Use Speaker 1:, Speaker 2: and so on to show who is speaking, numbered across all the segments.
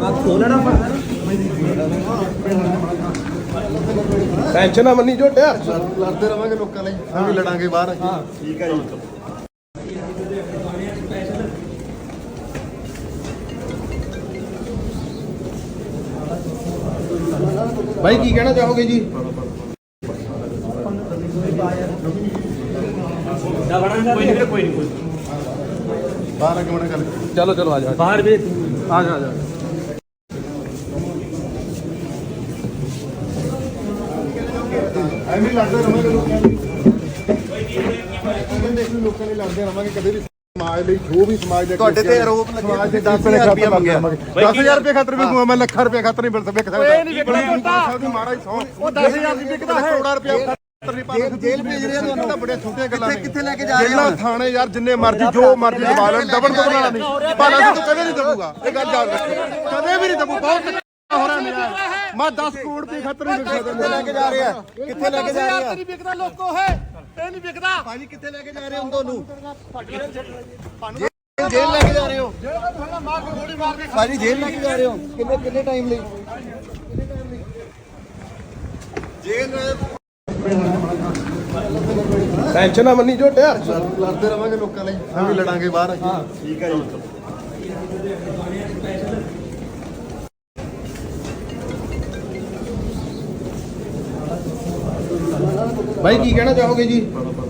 Speaker 1: Tension ਨਾ ਮੰਨੀ ਝੋਟਿਆ
Speaker 2: ਲੜਦੇ ਰਵਾਂਗੇ ਲੋਕਾਂ ਲਈ ਅਸੀਂ ਵੀ ਲੜਾਂਗੇ ਬਾਹਰ ਠੀਕ ਹੈ ਜੀ।
Speaker 1: ਭਾਈ ਕੀ ਕਹਿਣਾ ਚਾਹੋਗੇ ਜੀ?
Speaker 3: ਕੋਈ ਨਹੀਂ
Speaker 2: ਬਾਹਰ ਅੱਗੇ ਕਰ
Speaker 1: ਚਲੋ ਚਲੋ ਆ ਜਾ
Speaker 3: ਬਾਹਰ ਵੀ
Speaker 1: ਆ ਜਾ ਆ ਜਾ
Speaker 2: ਐਵੇਂ ਲੜਦੇ ਰਵਾਂਗੇ ਲੋਕਾਂ ਲਈ ਲੋਕਾਂ ਲਈ ਲੜਦੇ ਰਵਾਂਗੇ ਕਦੇ ਵੀ ਸਮਾਜ ਲਈ ਜੋ ਵੀ ਸਮਾਜ ਦੇ
Speaker 4: ਤੁਹਾਡੇ ਤੇ ਆਰੋਪ ਲੱਗੇ
Speaker 2: ਦੇ 10000 ਰੁਪਏ ਮੰਗਿਆ 10000 ਰੁਪਏ ਖਾਤਰ ਵੀ ਮੈਂ ਲੱਖਾਂ ਰੁਪਏ ਖਾਤਰ ਨਹੀਂ ਮਿਲ ਸਕਦਾ
Speaker 4: ਨਹੀਂ ਵਿਕਦਾ
Speaker 2: ਮਹਾਰਾਜ ਸੌ
Speaker 4: ਉਹ 10000 ਦੀ ਵਿਕਦਾ ਹੈ
Speaker 2: ਕਰੋੜਾਂ ਰੁਪਏ
Speaker 4: ਜੇਲ੍ਹ ਭੇਜ ਰਿਹਾ ਤੁਹਾਨੂੰ
Speaker 2: ਤਾਂ ਬੜੇ ਛੋਟੀਆਂ ਗੱਲਾਂ ਨੇ
Speaker 4: ਕਿੱਥੇ ਲੈ ਕੇ ਜਾ ਰਹੇ
Speaker 2: ਜੇਲ੍ਹਾਂ ਥਾਣੇ ਯਾਰ ਜਿੰਨੇ ਮਰਜ਼ੀ ਜੋ ਮਰਜ਼ੀ ਦਬਾ ਲੈਣ ਦਬਣ ਵਾਲਾ ਨਹੀਂ ਭਾਲਾ ਤੂੰ ਕਦੇ ਨਹੀਂ ਦਬੂਗਾ ਇਹ ਗੱਲ ਯਾਦ ਰੱਖ ਕਦੇ ਵੀ ਨਹੀਂ ਦਬੂ ਬਹੁਤ ਹੋ ਰਿਹਾ ਮੇਰਾ ਮੈਂ 10 ਕਰੋੜ ਦੀ ਖਾਤਰ ਨਹੀਂ ਵਿਕ ਸਕਦਾ
Speaker 4: ਲੈ ਕੇ ਜਾ ਰਿਹਾ ਕਿੱਥੇ ਲੈ ਕੇ ਜਾ ਰਿਹਾ
Speaker 3: ਨਹੀਂ ਵਿਕਦਾ ਲੋਕੋ ਹੈ ਇਹ ਨਹੀਂ ਵਿਕਦਾ
Speaker 4: ਭਾਜੀ ਕਿੱਥੇ ਲੈ ਕੇ ਜਾ ਰਹੇ ਹੋ ਤੁਹਾਨੂੰ ਜੇਲ੍ਹ ਲੈ ਕੇ ਜਾ ਰਹੇ ਹੋ ਭਾਜੀ ਜੇਲ੍ਹ ਲੈ ਕੇ ਜਾ ਰਹੇ ਹੋ ਕਿੰਨੇ ਟਾਈਮ ਲਈ ਜੇਲ੍ਹ
Speaker 1: ਟੈਨਸ਼ਨ ਨਾ ਮੰਨੀ ਝੋਟਿਆ
Speaker 2: ਲੜਦੇ ਰਵਾਂਗੇ ਲੋਕਾਂ ਲਈ ਅਸੀਂ ਵੀ ਲੜਾਂਗੇ ਬਾਹਰ ਠੀਕ ਹੈ ਜੀ।
Speaker 1: ਭਾਈ ਕੀ ਕਹਿਣਾ ਚਾਹੋਗੇ ਜੀ?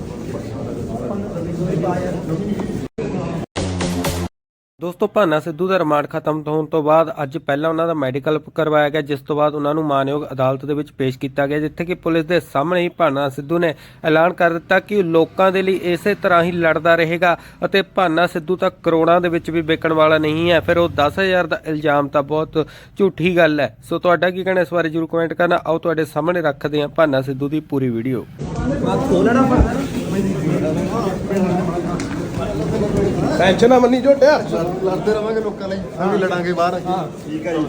Speaker 1: ਦੋਸਤੋ ਭਾਨਾ ਸਿੱਧੂ ਦਾ ਰਿਮਾਂਡ ਖਤਮ ਹੋਣ ਤੋਂ ਬਾਅਦ ਅੱਜ ਪਹਿਲਾਂ ਉਹਨਾਂ ਦਾ ਮੈਡੀਕਲ ਕਰਵਾਇਆ ਗਿਆ, ਜਿਸ ਤੋਂ ਬਾਅਦ ਉਹਨਾਂ ਨੂੰ ਮਾਨਯੋਗ ਅਦਾਲਤ ਦੇ ਵਿੱਚ ਪੇਸ਼ ਕੀਤਾ ਗਿਆ, ਜਿੱਥੇ ਕਿ ਪੁਲਿਸ ਦੇ ਸਾਹਮਣੇ ਹੀ ਭਾਨਾ ਸਿੱਧੂ ਨੇ ਐਲਾਨ ਕਰ ਦਿੱਤਾ ਕਿ ਉਹ ਲੋਕਾਂ ਦੇ ਲਈ ਇਸੇ ਤਰ੍ਹਾਂ ਹੀ ਲੜਦਾ ਰਹੇਗਾ ਅਤੇ ਭਾਨਾ ਸਿੱਧੂ ਤਾਂ ਕਰੋੜਾਂ ਦੇ ਵਿੱਚ ਵੀ ਵਿਕਣ ਵਾਲਾ ਨਹੀਂ ਹੈ। ਫਿਰ ਉਹ 10,000 ਦਾ ਇਲਜ਼ਾਮ ਤਾਂ ਬਹੁਤ ਝੂਠੀ ਗੱਲ ਹੈ। ਸੋ ਤੁਹਾਡਾ ਕੀ ਕਹਿਣਾ ਇਸ ਬਾਰੇ ਜ਼ਰੂਰ ਕਮੈਂਟ ਕਰਨਾ। ਆਓ ਤੁਹਾਡੇ ਸਾਹਮਣੇ ਰੱਖਦੇ ਹਾਂ ਭਾਨਾ ਸਿੱਧੂ ਦੀ ਪੂਰੀ ਵੀਡੀਓ। ਟੈਨਸ਼ਨ ਨਾ ਮੰਨੀ ਝੋਟਿਆ
Speaker 2: ਲੜਦੇ ਰਵਾਂਗੇ ਲੋਕਾਂ ਲਈ ਅਸੀਂ ਵੀ ਲੜਾਂਗੇ ਬਾਹਰ ਠੀਕ ਹੈ ਜੀ।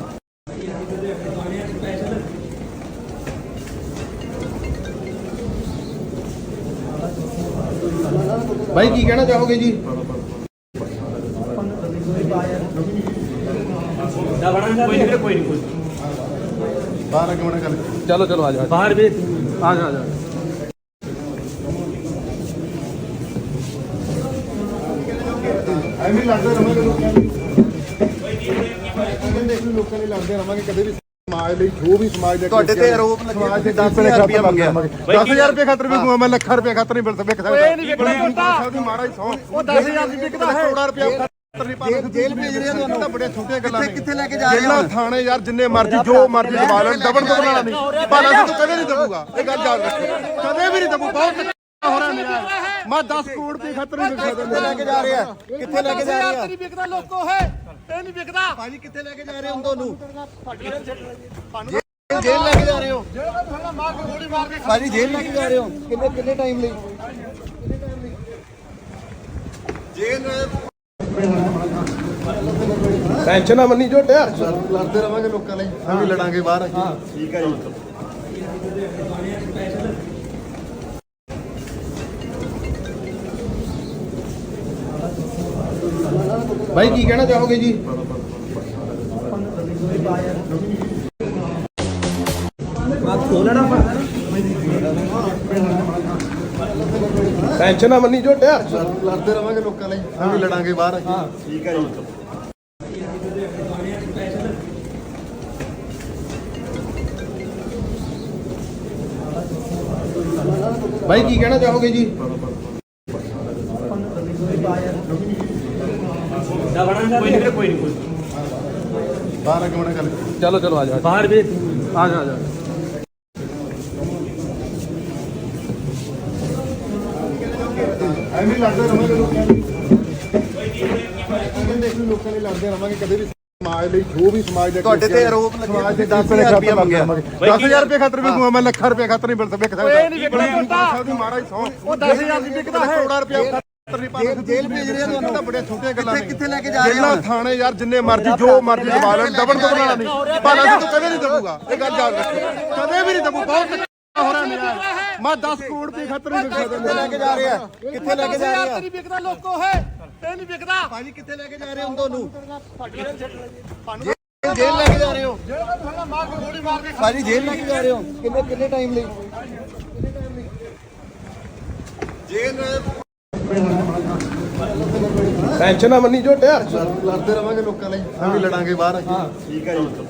Speaker 1: ਭਾਈ ਕੀ ਕਹਿਣਾ ਚਾਹੋਗੇ ਜੀ?
Speaker 3: ਕੋਈ ਨਹੀਂ
Speaker 2: ਬਾਹਰ ਅੱਗੇ ਕਰ
Speaker 1: ਚਲੋ ਚਲੋ ਆ ਜਾ
Speaker 3: ਬਾਹਰ ਵੀ
Speaker 1: ਆ ਜਾ ਆ ਜਾ
Speaker 2: ਐਵੇਂ ਲੜਦੇ ਰਵਾਂਗੇ ਲੋਕਾਂ ਲਈ ਲੋਕਾਂ ਲਈ ਲੜਦੇ ਰਵਾਂਗੇ ਕਦੇ ਵੀ ਸਮਾਜ ਲਈ ਜੋ ਵੀ ਸਮਾਜ ਦੇ
Speaker 4: ਤੁਹਾਡੇ ਤੇ ਆਰੋਪ ਲੱਗੇ 10000 ਰੁਪਏ ਮੰਗਿਆ
Speaker 2: 10000 ਰੁਪਏ ਖਾਤਰ ਵੀ ਮੈਂ ਲੱਖਾਂ ਰੁਪਏ ਖਾਤਰ ਨਹੀਂ ਮਿਲ ਸਕਦਾ
Speaker 3: ਨਹੀਂ ਵਿਕਦਾ
Speaker 2: ਮਹਾਰਾਜ ਸੌ
Speaker 4: ਉਹ 10000 ਦੀ ਵਿਕਦਾ ਹੈ
Speaker 2: ਕਰੋੜਾਂ ਰੁਪਏ
Speaker 4: ਜੇਲ੍ਹ ਭੇਜ ਰਿਹਾ ਤੁਹਾਨੂੰ
Speaker 2: ਤਾਂ ਬੜੇ ਛੋਟੀਆਂ ਗੱਲਾਂ ਨੇ
Speaker 4: ਕਿੱਥੇ ਲੈ ਕੇ ਜਾ ਰਹੇ
Speaker 2: ਜੇਲ੍ਹਾਂ ਥਾਣੇ ਯਾਰ ਜਿੰਨੇ ਮਰਜ਼ੀ ਜੋ ਮਰਜ਼ੀ ਦਬਾ ਲੈਣ ਦਬਣ ਵਾਲਾ ਨਹੀਂ ਭਾਲਾ ਤੂੰ ਕਦੇ ਨਹੀਂ ਦਬੂਗਾ ਇਹ ਗੱਲ ਯਾਦ ਰੱਖ ਕਦੇ ਵੀ ਨਹੀਂ ਦਬੂ ਬਹੁਤ ਹੋ ਰਿਹਾ ਮੇਰਾ ਮੈਂ 10 ਕਰੋੜ ਦੀ ਖਾਤਰ ਨਹੀਂ ਵਿਕ ਸਕਦਾ
Speaker 4: ਲੈ ਕੇ ਜਾ ਰਿਹਾ ਕਿੱਥੇ ਲੈ ਕੇ ਜਾ ਰਿਹਾ
Speaker 3: ਨਹੀਂ ਵਿਕਦਾ ਲੋਕੋ ਹੈ ਇਹ ਨਹੀਂ ਵਿਕਦਾ
Speaker 4: ਭਾਜੀ ਕਿੱਥੇ ਲੈ ਕੇ ਜਾ ਰਹੇ ਹੋ ਤੁਹਾਨੂੰ ਜੇਲ੍ਹ ਲੈ ਕੇ ਜਾ ਰਹੇ ਹੋ ਭਾਜੀ ਜੇਲ੍ਹ ਲੈ ਕੇ ਜਾ ਰਹੇ ਹੋ ਕਿੰਨੇ ਟਾਈਮ ਲਈ ਜੇਲ੍ਹ
Speaker 1: ਟੈਨਸ਼ਨ ਨਾ ਮੰਨੀ ਝੋਟਿਆ
Speaker 2: ਲੜਦੇ ਰਵਾਂਗੇ ਲੋਕਾਂ ਲਈ ਅਸੀਂ ਵੀ ਲੜਾਂਗੇ ਬਾਹਰ ਠੀਕ ਹੈ ਜੀ।
Speaker 1: ਭਾਈ ਕੀ ਕਹਿਣਾ ਚਾਹੋਗੇ ਜੀ? ਟੈਨਸ਼ਨ ਨਾ ਮੰਨੀ ਝੋਟਿਆ
Speaker 2: ਲੜਦੇ ਰਵਾਂਗੇ ਲੋਕਾਂ ਲਈ ਅਸੀਂ ਵੀ ਲੜਾਂਗੇ ਬਾਹਰ ਠੀਕ ਹੈ ਜੀ।
Speaker 1: ਭਾਈ ਕੀ ਕਹਿਣਾ ਚਾਹੋਗੇ ਜੀ?
Speaker 3: ਕੋਈ ਨਹੀਂ
Speaker 2: ਬਾਹਰ ਅੱਗੇ ਕਰ
Speaker 1: ਚਲੋ ਚਲੋ ਆ ਜਾ
Speaker 3: ਬਾਹਰ ਵੀ
Speaker 1: ਆ ਜਾ ਆ ਜਾ
Speaker 2: ਐਵੇਂ ਲੜਦੇ ਰਵਾਂਗੇ ਲੋਕਾਂ ਲਈ ਲੋਕਾਂ ਲਈ ਲੜਦੇ ਰਵਾਂਗੇ ਕਦੇ ਵੀ ਸਮਾਜ ਲਈ ਜੋ ਵੀ ਸਮਾਜ ਦੇ
Speaker 4: ਤੁਹਾਡੇ ਤੇ ਆਰੋਪ
Speaker 2: ਸਮਾਜ ਦੇ
Speaker 4: ਲੱਗੇ 10000 ਰੁਪਏ ਮੰਗਿਆ
Speaker 2: 10000 ਰੁਪਏ ਖਾਤਰ ਵੀ ਮੈਂ ਲੱਖਾਂ ਰੁਪਏ ਖਾਤਰ ਨਹੀਂ ਮਿਲ ਸਕਦਾ
Speaker 3: ਨਹੀਂ ਵਿਕਦਾ
Speaker 2: ਮਹਾਰਾਜ ਸੌ
Speaker 3: ਉਹ 10000 ਦੀ ਵਿਕਦਾ ਹੈ
Speaker 2: ਕਰੋੜਾਂ ਰੁਪਏ
Speaker 4: ਜੇਲ੍ਹ ਭੇਜ ਰਿਹਾ ਤੁਹਾਨੂੰ
Speaker 2: ਤਾਂ ਬੜੇ ਛੋਟੀਆਂ ਗੱਲਾਂ ਨੇ
Speaker 4: ਕਿੱਥੇ ਲੈ ਕੇ ਜਾ ਰਹੇ
Speaker 2: ਜੇਲ੍ਹਾਂ ਥਾਣੇ ਯਾਰ ਜਿੰਨੇ ਮਰਜ਼ੀ ਜੋ ਮਰਜ਼ੀ ਦਬਾ ਲੈਣ ਦਬਣ ਵਾਲਾ ਨਹੀਂ ਭਾਲਾ ਤੂੰ ਕਦੇ ਨਹੀਂ ਦਬੂਗਾ ਇਹ ਗੱਲ ਯਾਦ ਰੱਖ ਕਦੇ ਵੀ ਨਹੀਂ ਦਬੂ ਬਹੁਤ ਹੋ ਰਿਹਾ ਮੇਰਾ ਮੈਂ 10 ਕਰੋੜ ਦੀ ਖਾਤਰ ਨਹੀਂ ਵਿਕ ਸਕਦਾ
Speaker 4: ਲੈ ਕੇ ਜਾ ਰਿਹਾ ਕਿੱਥੇ ਲੈ ਕੇ ਜਾ ਰਿਹਾ
Speaker 3: ਨਹੀਂ ਵਿਕਦਾ ਲੋਕੋ ਹੈ ਇਹ ਨਹੀਂ ਵਿਕਦਾ
Speaker 4: ਭਾਜੀ ਕਿੱਥੇ ਲੈ ਕੇ ਜਾ ਰਹੇ ਹੋ ਤੁਹਾਨੂੰ ਜੇਲ੍ਹ ਲੈ ਕੇ ਜਾ ਰਹੇ ਹੋ
Speaker 3: ਜਿਹੜਾ ਪਹਿਲਾਂ ਮਾਰ ਕੇ ਗੋਲੀ ਮਾਰ ਕੇ
Speaker 4: ਭਾਜੀ ਜੇਲ੍ਹ ਲੈ ਕੇ ਜਾ ਰਹੇ ਹੋ ਕਿੰਨੇ ਟਾਈਮ ਲਈ
Speaker 2: ਟੈਨਸ਼ਨ ਨਾ ਮੰਨੀ ਝੋਟਿਆ ਲੜਦੇ ਰਵਾਂਗੇ ਲੋਕਾਂ ਲਈ ਅਸੀਂ ਵੀ ਲੜਾਂਗੇ ਬਾਹਰ ਠੀਕ ਹੈ ਜੀ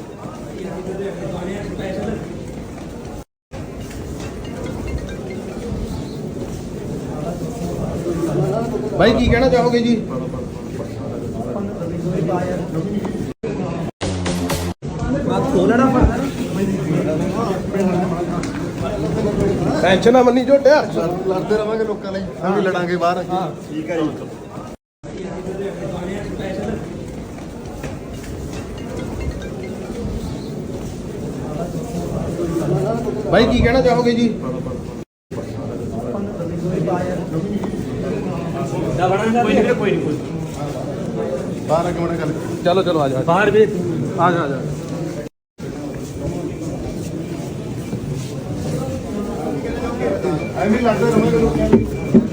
Speaker 2: ਭਾਈ ਕੀ ਕਹਿਣਾ ਚਾਹੋਗੇ ਜੀ ਟੈਨਸ਼ਨ ਨਾ ਮੰਨੀ ਝੋਟਿਆ ਲੜਦੇ ਰਵਾਂਗੇ ਲੋਕਾਂ ਲਈ ਅਸੀਂ ਵੀ ਲੜਾਂਗੇ ਬਾਹਰ ਠੀਕ ਹੈ ਜੀ ਭਾਈ ਕੀ ਕਹਿਣਾ ਚਾਹੋਗੇ ਜੀ
Speaker 3: ਕੋਈ ਨਹੀਂ
Speaker 2: ਬਾਹਰ ਆ ਕੇ ਮਣਾ ਗੱਲ
Speaker 1: ਚਲੋ ਆ ਜਾ
Speaker 3: ਬਾਹਰ ਵੀ
Speaker 2: ਆ ਜਾ ਐਵੇਂ ਲੜਦੇ ਰਵਾਂਗੇ ਲੋਕਾਂ ਲਈ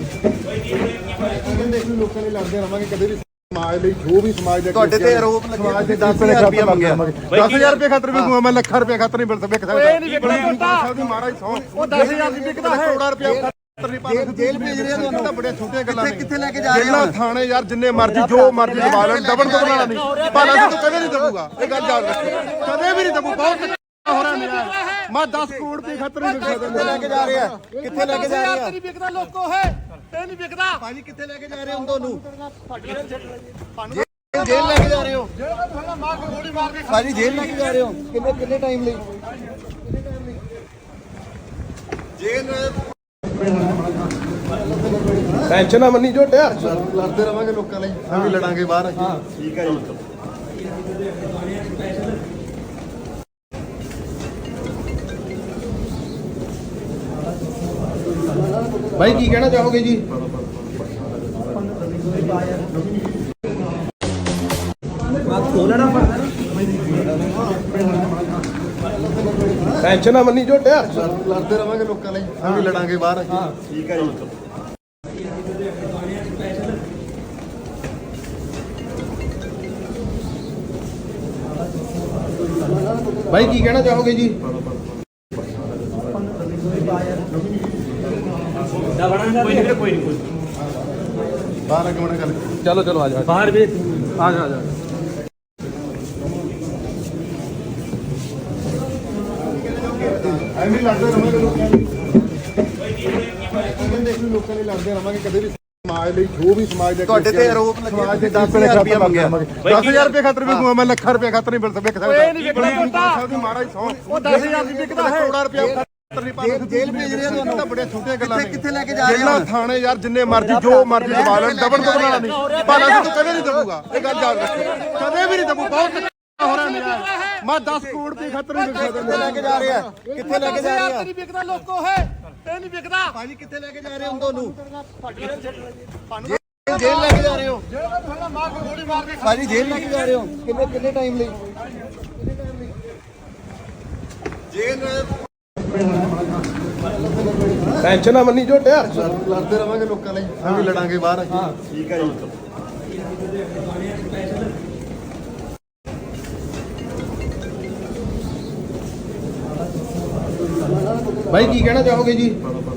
Speaker 2: ਕਹਿੰਦੇ ਅਸੀਂ ਲੋਕਾਂ ਲਈ ਲੜਦੇ ਰਵਾਂਗੇ ਕਦੇ ਵੀ ਸਮਾਜ ਲਈ ਜੋ ਵੀ ਸਮਾਜ ਦੇ
Speaker 4: ਤੁਹਾਡੇ ਤੇ ਆਰੋਪ ਲੱਗੇ
Speaker 2: ਸਮਾਜ ਦੇ
Speaker 4: 10,000 ਰੁਪਇਆ ਮੰਗਿਆ
Speaker 2: 10000 ਰੁਪਏ ਖਾਤਰ ਵੀ ਦੂੰਗਾ ਮੈਂ ਲੱਖਾਂ ਰੁਪਏ ਖਾਤਰ ਨਹੀਂ ਮਿਲ ਸਕਦਾ
Speaker 3: ਇਹ ਨਹੀਂ ਵਿਕਦਾ ਪੁੱਤਾ।
Speaker 2: ਮਹਾਰਾਜ ਸੌ
Speaker 3: ਉਹ 10,000 ਦੀ ਵਿਕਦਾ ਹੈ।
Speaker 2: ਕਰੋੜਾਂ ਰੁਪਏ ਖਾਤਰ ਨਹੀਂ ਪਾਉਂਦੇ
Speaker 4: ਜੇਲ੍ਹ ਭੇਜ ਰਹੇ ਆ ਤੁਹਾਨੂੰ।
Speaker 2: ਤਾਂ ਬੜੀਆਂ ਛੋਟੀਆਂ ਗੱਲਾਂ ਨੇ
Speaker 4: ਕਿੱਥੇ ਲੈ ਕੇ ਜਾ ਰਹੇ ਹੋ?
Speaker 2: ਜੇਲ੍ਹਾਂ ਥਾਣੇ ਯਾਰ ਜਿੰਨੇ ਮਰਜ਼ੀ ਜੋ ਮਰਜ਼ੀ ਦਬਾ ਲੈਣ ਦਬਣ ਤੋਂ ਬਣਾਣਾ ਨਹੀਂ ਭਾਲਾ ਸਿੰਘ ਤੂੰ ਕਦੇ ਨਹੀਂ ਦਬੂਗਾ ਇਹ ਗੱਲ ਯਾਦ ਰੱਖ ਕਦੇ ਵੀ ਨਹੀਂ ਦਬੂ ਬਹੁਤ ਹੋ ਰਿਹਾ ਮੇਰਾ ਮੈਂ 10 ਕਰੋੜ ਰੁਪਏ ਖਾਤਰ ਨਹੀਂ ਵਿਕ
Speaker 4: ਕਿੱਥੇ ਲੈ ਕੇ ਜਾ ਰਹੇ ਆ ਕਿੱਥੇ ਲੈ ਕੇ ਜਾ ਰਹੇ ਆ
Speaker 3: ਨਹੀਂ ਵਿਕਦਾ ਲੋਕੋ ਹੈ ਇਹ ਨਹੀਂ ਵਿਕਦਾ
Speaker 4: ਭਾਜੀ ਕਿੱਥੇ ਲੈ ਕੇ ਜਾ ਰਹੇ ਹੋ ਤੁਹਾਨੂੰ ਜੇਲ੍ਹ ਲੈ ਕੇ ਜਾ ਰਹੇ ਹੋ
Speaker 3: ਜਿਹੜਾ ਪਹਿਲਾਂ ਮਾਰ ਕੇ ਗੋਲੀ ਮਾਰ ਕੇ
Speaker 4: ਭਾਜੀ ਜੇਲ੍ਹ ਲੈ ਕੇ ਜਾ ਰਹੇ ਹੋ ਕਿੰਨੇ ਟਾਈਮ ਲਈ
Speaker 2: ਟੈਨਸ਼ਨ ਨਾ ਮੰਨੀ ਝੋਟਿਆ ਲੜਦੇ ਰਵਾਂਗੇ ਲੋਕਾਂ ਲਈ ਅਸੀਂ ਵੀ ਲੜਾਂਗੇ ਬਾਹਰ ਠੀਕ ਹੈ ਜੀ ਭਾਈ ਕੀ ਕਹਿਣਾ ਚਾਹੋਗੇ ਜੀ ਟੈਨਸ਼ਨ ਨਾ ਮੰਨੀ ਝੋਟਿਆ ਲੜਦੇ ਰਵਾਂਗੇ ਲੋਕਾਂ ਲਈ ਅਸੀਂ ਵੀ ਲੜਾਂਗੇ ਬਾਹਰ ਠੀਕ ਹੈ ਜੀ ਭਾਈ ਕੀ ਕਹਿਣਾ ਚਾਹੋਗੇ ਜੀ
Speaker 3: ਕੋਈ ਨਹੀਂ
Speaker 2: ਬਾਹਰ ਆ ਕੇ ਮਣਾ ਗੱਲ
Speaker 1: ਚਲੋ ਆ ਜਾ
Speaker 3: ਬਾਹਰ ਵੀ
Speaker 2: ਆ ਜਾ ਐਵੇਂ ਲੜਦੇ ਰਵਾਂਗੇ ਲੋਕਾਂ ਲਈ ਕਹਿੰਦੇ ਅਸੀਂ ਲੋਕਾਂ ਲਈ ਲੜਦੇ ਰਵਾਂਗੇ ਕਦੇ ਵੀ ਸਮਾਜ ਲਈ ਜੋ ਵੀ ਸਮਾਜ ਦੇ
Speaker 4: ਤੁਹਾਡੇ ਤੇ ਆਰੋਪ ਲੱਗੇ
Speaker 2: ਸਮਾਜ ਦੇ
Speaker 4: 10,000 ਰੁਪਇਆ ਮੰਗਿਆ
Speaker 2: 10000 ਰੁਪਏ ਖਾਤਰ ਵੀ ਦੂੰਗਾ ਮੈਂ ਲੱਖਾਂ ਰੁਪਏ ਖਾਤਰ ਨਹੀਂ ਮਿਲ ਸਕਦਾ
Speaker 3: ਇਹ ਨਹੀਂ ਵਿਕਦਾ ਪੁੱਤਾ।
Speaker 2: ਮਹਾਰਾਜ ਸੌ
Speaker 3: ਉਹ 10,000 ਦੀ ਵਿਕਦਾ ਹੈ।
Speaker 2: ਕਰੋੜਾਂ ਰੁਪਏ ਖਾਤਰ ਨਹੀਂ ਪਾਉਂਦੇ
Speaker 4: ਜੇਲ੍ਹ ਭੇਜ ਰਹੇ ਆ ਤੁਹਾਨੂੰ।
Speaker 2: ਤਾਂ ਬੜੀਆਂ ਛੋਟੀਆਂ ਗੱਲਾਂ ਨੇ
Speaker 4: ਕਿੱਥੇ ਲੈ ਕੇ ਜਾ ਰਹੇ ਹੋ?
Speaker 2: ਜੇਲ੍ਹਾਂ ਥਾਣੇ ਯਾਰ ਜਿੰਨੇ ਮਰਜ਼ੀ ਜੋ ਮਰਜ਼ੀ ਦਬਾ ਲੈਣ ਦਬਣ ਤੋਂ ਬਣਾਣਾ ਨਹੀਂ ਭਾਲਾ ਸਿੰਘ ਤੂੰ ਕਦੇ ਨਹੀਂ ਦਬੂਗਾ ਇਹ ਗੱਲ ਯਾਦ ਰੱਖ ਕਦੇ ਵੀ ਨਹੀਂ ਦਬੂ ਬਹੁਤ ਹੋ ਰਿਹਾ ਮੇਰਾ ਮੈਂ 10 ਕਰੋੜ ਰੁਪਏ ਖਾਤਰ ਨਹੀਂ ਵਿਕ
Speaker 4: ਕਿੱਥੇ ਲੈ ਕੇ ਜਾ ਰਹੇ ਆ ਕਿੱਥੇ ਲੈ ਕੇ ਜਾ ਰਹੇ ਆ
Speaker 3: ਨਹੀਂ ਵਿਕਦਾ ਲੋਕੋ ਹੈ ਇਹ ਨਹੀਂ ਵਿਕਦਾ
Speaker 4: ਭਾਜੀ ਕਿੱਥੇ ਲੈ ਕੇ ਜਾ ਰਹੇ ਹੋ ਤੁਹਾਨੂੰ ਜੇਲ੍ਹ ਲੈ ਕੇ ਜਾ ਰਹੇ ਹੋ
Speaker 3: ਜਿਹੜਾ ਪਹਿਲਾਂ ਮਾਰ ਕੇ ਗੋਲੀ ਮਾਰ ਕੇ
Speaker 4: ਭਾਜੀ ਜੇਲ੍ਹ ਲੈ ਕੇ ਜਾ ਰਹੇ ਹੋ ਕਿੰਨੇ ਟਾਈਮ ਲਈ
Speaker 2: ਟੈਨਸ਼ਨ ਨਾ ਮੰਨੀ ਝੋਟਿਆ ਲੜਦੇ ਰਵਾਂਗੇ ਲੋਕਾਂ ਲਈ ਅਸੀਂ ਵੀ ਲੜਾਂਗੇ ਬਾਹਰ ਠੀਕ ਹੈ ਜੀ ਭਾਈ ਕੀ ਕਹਿਣਾ ਚਾਹੋਗੇ ਜੀ